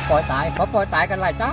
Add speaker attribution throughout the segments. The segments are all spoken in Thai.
Speaker 1: ปล่อยตายเขาปล่อยตายกันหลายเจ้า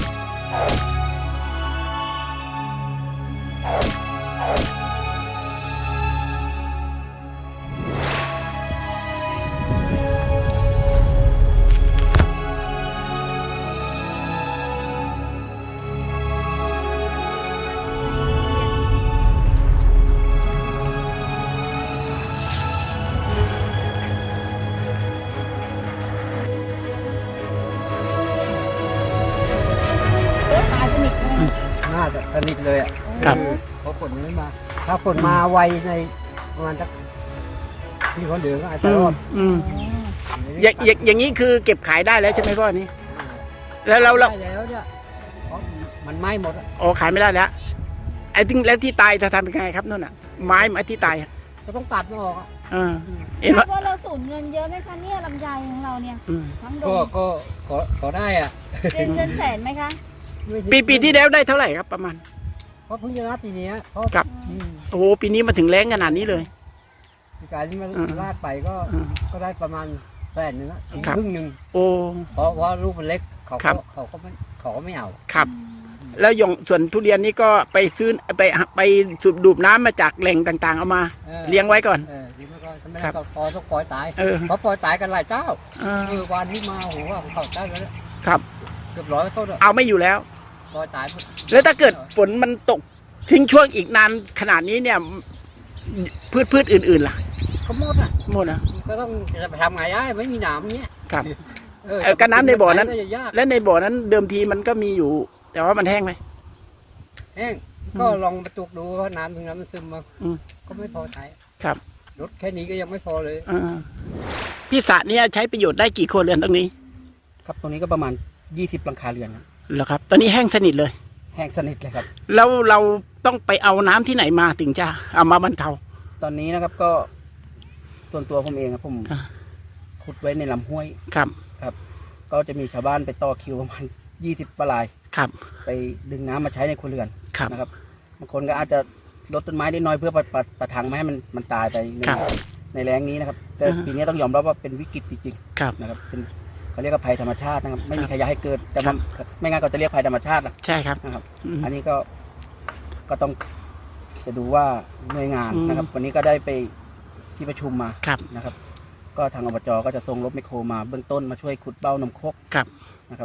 Speaker 1: น่าจะสนิทเลยอ่ะเพราะฝนไม่มาถ้าฝนมาไวในประมาณสักที่เขาเหลือก็อาจจะรอด
Speaker 2: อย่างนี้คือเก็บขายได้แล้วใช่ไหมพ่อนี้แล้ว
Speaker 1: ได้แล้วเนี่ยเพราะมันไหม้หมดอ่ะ
Speaker 2: โอ้ขายไม่ได้แล้วไอ้ที่แล้วที่ตายจะทำเป็นไงครับนู่นอ่ะไม้ที่ตาย
Speaker 1: ก็ต้องตัดมันออกอ่ะ
Speaker 3: เห็นว่าเราสูญเงินเยอะไหมคะเนี่ยลำไยของเราเนี่ยทั้งดง
Speaker 1: ก็ขอได้อ่ะ
Speaker 3: เป็นแสนไหมคะ
Speaker 2: ปีที่แล้วได้เท่าไหร่ครับประมาณ
Speaker 1: เพราะเพิ่งจะนับปีนี้
Speaker 2: ครับโอ้โหปีนี้มาถึงแรงขนาดนี้เลย
Speaker 1: การที่มันลาดไปก็ได้ประมาณ100,000นะครึ่งหนึ่ง
Speaker 2: โอ้
Speaker 1: เพราะว่าลูกมันเล็กเขาก็ไม่เอา
Speaker 2: ครับแล้วอย่างส่วนทุเรียนนี่ก็ไปซื้อไปสูบดูดน้ำมาจากแหล่งต่างๆเอามาเลี้ยงไว้ก่อน
Speaker 1: เลี้ยงไว้ก่อนทำไมเราพอต้องปล่อยตายเพราะปล่อยตายกันหลายเจ้าวันที่มาโอ้โหเขาเจ้าแล้ว
Speaker 2: ครับ
Speaker 1: เกือบ100 ต้น
Speaker 2: เอาไม่อยู่แล้ว
Speaker 1: ปล่อยตาย
Speaker 2: แล้วถ้าเกิดฝนมันตกทิ้งช่วงอีกนานขนาดนี้เนี่ยพืชอื่นๆล่ะ
Speaker 1: ก็หมด
Speaker 2: อ่ะ
Speaker 1: ก็ต้องจะไปทำไงได้ไม่มีน้ำเนี้ย
Speaker 2: ครับก็น้ำในบ่อนั้นและในบ่อนั้นเดิมทีมันก็มีอยู่แต่ว่ามันแห้งไหม
Speaker 1: แห้งก็ลองประจุดูว่าน้ำตรงนั้นมันซึมมาก็ไม่พอใช้
Speaker 2: ครับ
Speaker 1: รถแค่นี้ก็ยังไม่พอเลย
Speaker 2: พี่สระเนี่ยใช้ประโยชน์ได้กี่ครัวเรือนตรงนี้
Speaker 1: ครับตรงนี้ก็ประมาณ20 หลังคาเรือน
Speaker 2: เหรอครับตอนนี้แห้งสนิทเลย
Speaker 1: แห้งสนิทเลยครับ
Speaker 2: แล้วเราต้องไปเอาน้ำที่ไหนมาถึงจะเอามาบรรเทา
Speaker 1: ตอนนี้นะครับก็ส่วนตัวผมเองครับผมขุดไว้ในลำห้วย
Speaker 2: ครับ
Speaker 1: ก็จะมีชาวบ้านไปต่อคิวประมาณ20 ปลาย
Speaker 2: ครับ
Speaker 1: ไปดึงน้ำมาใช้ในครัวเรือน
Speaker 2: นะครับ
Speaker 1: บางคนก็อาจจะลดต้นไม้ได้น้อยเพื่อประทังไม่ให้มันตายไปในแรงนี้นะครับแต่ปีนี้ต้องยอมรับว่าเป็นวิกฤตจริงๆนะครับเป็นเขาเรียกว่าภัยธรรมชาตินะครับไม่มีใครอยากให้เกิดแต่ไม่งั้นก็จะเรียกภัยธรรมชาติ
Speaker 2: ใช่ครับ
Speaker 1: นะครับอันนี้ก็ต้องจะดูว่าหน่วยงานนะครับวันนี้ก็ได้ไปที่ประชุมมานะครับก็ทางอบจ.ก็จะส่งรถแมคโครมาเบื้องต้นมาช่วยขุดเบ้าน้ำคกนะครับ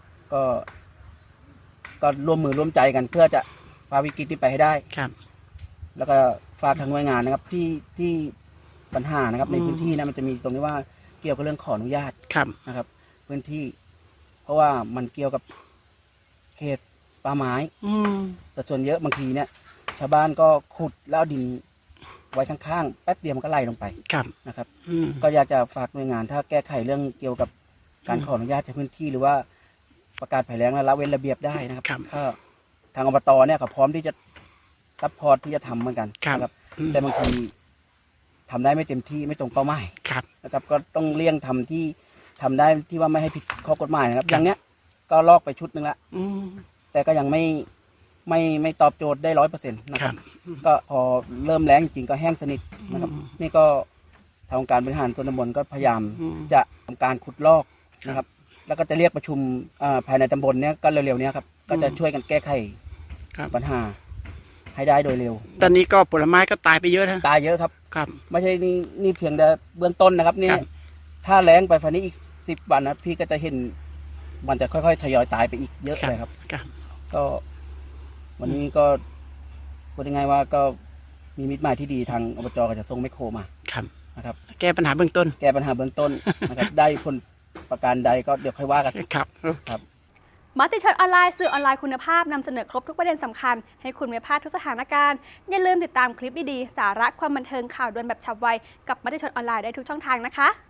Speaker 1: ก็ร่วมมือร่วมใจกันเพื่อจะฝ่าวิกฤตนี้ไปให้ได้แล้วก็ฝากทางหน่วยงานนะครับที่ปัญหานะครับในพื้นที่นะมันจะมีตรงนี้ว่าเกี่ยวกับเรื่องขออนุญาตนะครับพื้นที่เพราะว่ามันเกี่ยวกับเขตป่าไม้สัดส่วนเยอะบางทีเนี่ยชาวบ้านก็ขุดแล้วดินไว้ข้างๆแป๊บเดียวมันก็ไหลลงไปนะครับก็อยากจะฝากหน่วยงานถ้าแก้ไขเรื่องเกี่ยวกับการขออนุญาตในพื้นที่หรือว่าประกาศภัยแล้งและละเว้นระเบียบได้นะครับถ้าทางอบต.เนี่ยเขาพร้อมที่จะซัพพอร์ตที่จะทำเหมือนกันนะครับแต่บางทีทำได้ไม่เต็มที่ไม่ตรงเป้าหมายนะครับก็ต้องเลี่ยงทำที่ทำได้ที่ว่าไม่ให้ผิดข้อกฎหมายนะครับอย่างเนี้ยก็ลอกไปชุดนึงละแต่ก็ยังไม่ตอบโจทย์ได้100%นะครับก็พอเริ่มแรงจริงก็แห้งสนิทนะครับนี่ก็ทางการบริหารส่วนตำบลก็พยายามจะทำการขุดลอกนะครับแล้วก็จะเรียกประชุมภายในตำบลเนี้ยก็เร็วๆนี้ครับก็จะช่วยกันแก้ไขปัญหาให้ได้โดยเร็ว
Speaker 2: ตอนนี้ก็ผลไม้ก็ตายไปเยอะนะ
Speaker 1: ตายเยอะครับไม่ใช่นี่เพียงแต่เบื้องต้นนะครับนี่ถ้าแรงไปฝันนี้อีก10 วันนะพี่ก็จะเห็นมันจะค่อยๆทยอยตายไปอีกเยอะเลยครับก็วันนี้ก็พูดยังไงว่าก็มีมิตรหมายที่ดีทางอบจ.ก็จะส่งแมคโครมานะครับ
Speaker 2: แก้ปัญหาเบื้องต้น
Speaker 1: นะครับได้ผลประการใดก็เดี๋ยวค่อยว่ากัน
Speaker 3: ครับมติชนออนไลน์สื่อออนไลน์คุณภาพนำเสนอครบทุกประเด็นสำคัญให้คุณไม่พลาดทุกสถานการณ์อย่าลืมติดตามคลิปดีๆสาระความบันเทิงข่าวด่วนแบบฉับไวกับมติชนออนไลน์ได้ทุกช่องทางนะคะ